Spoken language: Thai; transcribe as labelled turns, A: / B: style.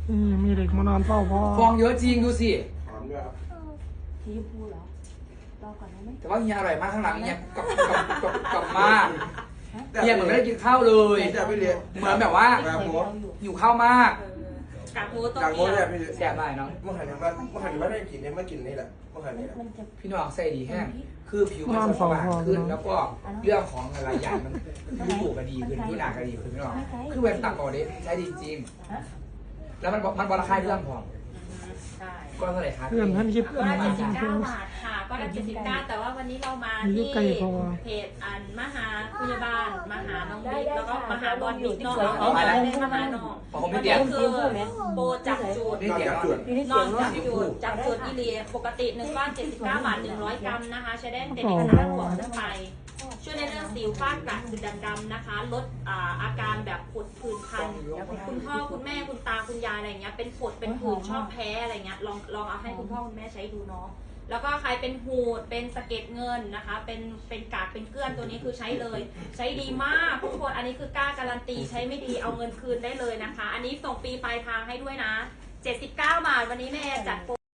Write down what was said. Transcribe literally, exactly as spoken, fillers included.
A: นี่มีเด็กมานอนเฝ้าพ่อ
B: ฟองเยอะจริงดูสิ
C: ถอนด้วยครับ
D: สีชมพูเหรอรอก่อนได้ไหม
B: แต่ว่าเฮียอร่อยมากข้างหลังเฮียกับกับกับกับมากเฮียเหมือนไม่ได้กินข้าวเลย
C: จะไม่เลี้ยง
B: เหมือนแบบว่า
C: แบบหัว
B: หิวข้าวมาก
E: กากหมูต้ม
C: กางโง่
E: เกี๊
C: เนี่ย
E: วย
C: พี่
B: แซ่บมากเนาะ
C: เมื่อหันมาเมื่อหันมาได้กินเนี่ยเมื่อกินนี่แหละเมื่อหันนี่แหละ
D: มันจะ
B: พี่น้องใส่ดีแห้งคือผิวมันจะสว่างขึ้นแล้วก็เรื่องของอะไรอย่างมันรูปก็ดีขึ้นรูปหนาก็ดีขึ้นพี่น้องคือเป็นตักก่อนเด้ใช้ดีจริงแล้วมันมันบราคาเรื่องพอ
E: ใช่
B: ก็เท่าไหร่ครับ
A: เพื่อนท่านคิด
E: ก็ได้เจ็ดสิบเก้าบาทค่ะก็ได้เจ็ดสิบเก้าแต่ว่าวันนี้เรามาที่เพจอันมหาพยาบาลมหาน้องบิ๊กแล้วก็มหาบอลบิ๊กเนาะเอาไปเลยมหาน้องวันนี้คือโบจับจูด
B: นี่เดี๋ยว
C: จุด
E: นอนจับจูดจับจูดอีเลียปกติหนึ่งก้อนเจ็ดสิบเก้าบาทหนึ่งร้อยกรัมนะคะใช้ได้เด็กๆห้าขวบขึ้นไปช่วยในเรื่องสิวฝ้ากระจุดด่างๆนะคะ ลดอาการแบบผดผื่นคันคุณพ่อคุณแม่คุณตาคุณยายอะไรเงี้ยเป็นผดเป็นผื่นชอบแพ้อะไรเงี้ยลองลองเอาให้คุณพ่อคุณแม่ใช้ดูเนาะแล้วก็ใครเป็นหูดเป็นสะเก็ดเงินนะคะเป็นเป็นกากเป็นเกลื่อนตัวนี้คือใช้เลย ใช้ดีมากทุกคนอันนี้คือกล้าการันตีใช้ไม่ดีเอาเงินคืนได้เลยนะคะ อันนี้ส่งฟรีปลายทางให้ด้วยนะเจ็ดสิบเก้าบาทวันนี้แม่จัดโปร